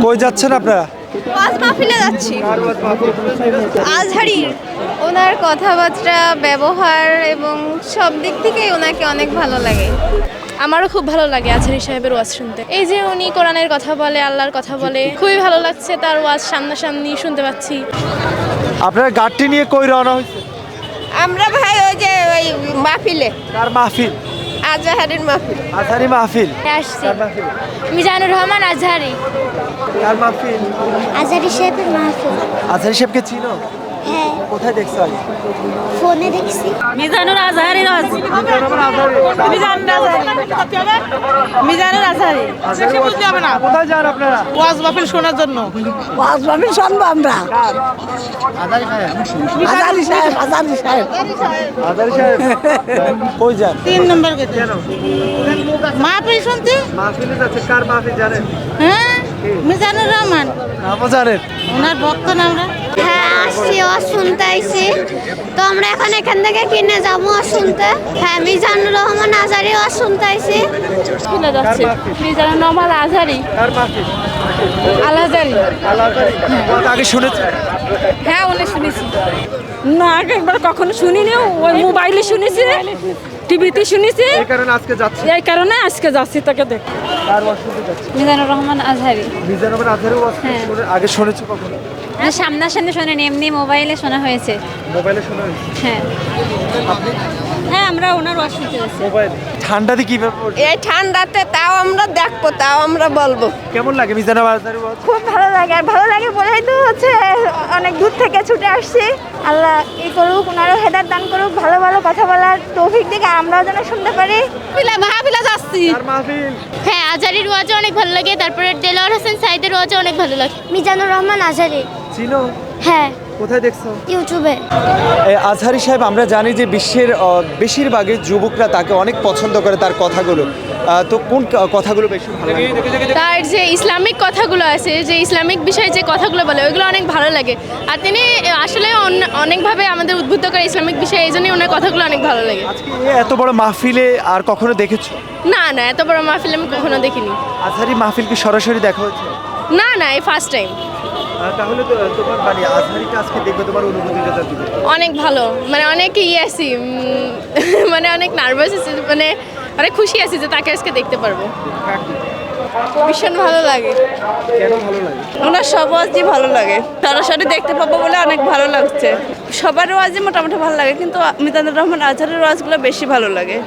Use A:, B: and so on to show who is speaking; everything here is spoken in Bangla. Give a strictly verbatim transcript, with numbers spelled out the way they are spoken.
A: কই যাচ্ছেন আপনারা?
B: ওয়াজ মাহফিলে যাচ্ছি। আজহারি ওনার কথাবার্তা, ব্যবহার এবং সব দিক থেকেই ওনাকে অনেক ভালো লাগে।
C: আমারও খুব ভালো লাগে আজহারি সাহেবের ওয়াজ শুনতে। এই যে উনি কোরআনের কথা বলে, আল্লাহর কথা বলে, খুবই ভালো লাগছে তার ওয়াজ সামনাসামনি শুনতে পাচ্ছি।
A: আপনারা গাড়িটি নিয়ে কই রওনা হয়েছে?
B: আমরা ভাই ওই যে ওই মাহফিলে,
A: কার মাহফিল?
B: আজহারির মাহফিল।
A: আজহারি মাহফিল।
C: আসছি
A: কার মাহফিল?
C: মিজানুর রহমান আজহারি।
A: কার মাহফিল?
D: আজহারি সাহেবের মাহফিল।
A: আজহারি সাহেবকে চিনো?
D: হ্যাঁ,
A: কোথায় দেখছো আগে?
D: ফোনে দেখছি।
C: মিজানুর আজহারি মিজানুর আজহারি
A: কোথায় যান আপনারা?
E: ওয়াজ মাহফিল শোনার জন্য।
F: ওয়াজ মাহফিল শুনবো আমরা। আজারি সাহেব, আজারি সাহেব।
A: আজহারি সাহেব কই যান?
E: তিন নম্বর গেছে
A: কেন?
E: মাহফিল শুনতে।
A: মাহফিলে যাচ্ছে। কার মাহফিল জানেন?
E: হ্যাঁ, মিজানুর রহমান
A: নামও জানেন?
E: ওনার ভক্ত না আমরা।
D: হ্যাঁ, আসছি, ওয়াজ শুনতে আইছি। তো আমরা এখন এখান থেকে কিনে যাবো ওয়াজ শুনতে। হ্যাঁ, মিজানুর রহমান আজহারি ওয়াজ শুনতে আইছি।
C: শুনে যাচ্ছে মিজানুর রহমান আজহারি।
A: কার মাহফিল?
C: আল আজহারি।
A: আল আজহারি। ওটা আগে শুনেছেন?
C: হ্যাঁ, উনি শুনেছি। না, আগে একবার কখনো শুনিনি, ওই মোবাইলে শুনেছি, টিভিতে শুনেছি।
A: এই কারণে আজকে যাচ্ছি।
C: এই কারণে আজকে যাচ্ছি তাকে দেখ।
A: কার ওয়াজ শুনতে যাচ্ছি?
C: মিজানুর রহমান আজহারি।
A: মিজানুর রহমান আজহারি ওয়াজ শুনে- আগে শুনেছো কখনো?
C: সামনাসামনি শোনেনি, এমনি মোবাইলে শোনা হয়েছে।
A: মোবাইলে শোনা হয়েছে?
C: হ্যাঁ
A: আপনি
C: হ্যাঁ আমরা ওনার ওয়াজ শুনতে যাচ্ছি।
A: মোবাইলে? ঠান্ডাতে কিভাবে পড়ছে?
B: এই ঠান্ডাতে তাও আমরা দেখবো, তাও আমরা বলবো।
A: কেমন লাগে মিজানুর আজহারি ওয়াজ?
B: খুব ভালো লাগে। আর ভালো লাগে বলেই তো হচ্ছে অনেক দূর থেকে ছুটে আসছি। আল্লাহ ই করুক, ওনারও হেদায়েত দান করুক, ভালো ভালো কথা বলার তৌফিক দিকে আমরাও যেন শুনতে পারি।
C: মাহফিলে যাচ্ছি।
A: কার মাহফিল?
C: হ্যাঁ, আজহারির ওয়াজও অনেক ভালো লাগে, তারপরে দেলোয়ার হোসেন সাইদের ওয়াজও অনেক ভালো লাগে।
D: মিজানুর রহমান আজহারি।
A: চিনো?
D: হ্যাঁ,
A: কোথায় দেখছো?
D: ইউটিউবে।
A: এই আজহারি সাহেব, আমরা জানি যে বিশ্বের আহ, বেশিরভাগই যুবকরা তাকে অনেক পছন্দ করে তার কথাগুলো। আহ, তো কোন ক- কথাগুলো বেশি ভালো লাগে?
C: তার যে ইসলামিক কথাগুলো আছে, যে ইসলামিক বিষয়ে যে কথাগুলো বলে, ওইগুলো অনেক ভালো লাগে। আর তিনি আসলে অন- অনেকভাবে আমাদের উদ্বুদ্ধ করে ইসলামিক বিষয়ে, এই জন্যই ওনার কথাগুলো অনেক ভালো লাগে।
A: আজকে এই এত বড় মাহফিলে আর কখনো দেখেছো?
C: না না, এত বড় মাহফিল আমি কখনো দেখিনি।
A: আজহারি মাহফিল কি সরাসরি দেখা হয়েছে?
C: না না, এই ফার্স্ট টাইম।
A: আহ, তাহলে তো তোমার মানে আজহারিকে আজকে দেখবে, তোমার অনুভূতিটা দিবে।
C: অনেক ভালো, মানে অনেক ইয়ে আছি, উম, মানে অনেক নার্ভাস আছি, মানে অনেক খুশি আছি যে তাকে আজকে দেখতে পারবো। ভীষণ ভালো লাগে।
A: কেন ভালো লাগে?
B: ওনার সব ওয়াজই ভালো লাগে, সরাসরি দেখতে পাবো বলে অনেক ভালো লাগছে। সবার ওয়াজই মোটামুটি ভালো লাগে, কিন্তু মিজানুর রহমান আজহারের ওয়াজগুলো বেশি ভালো লাগে।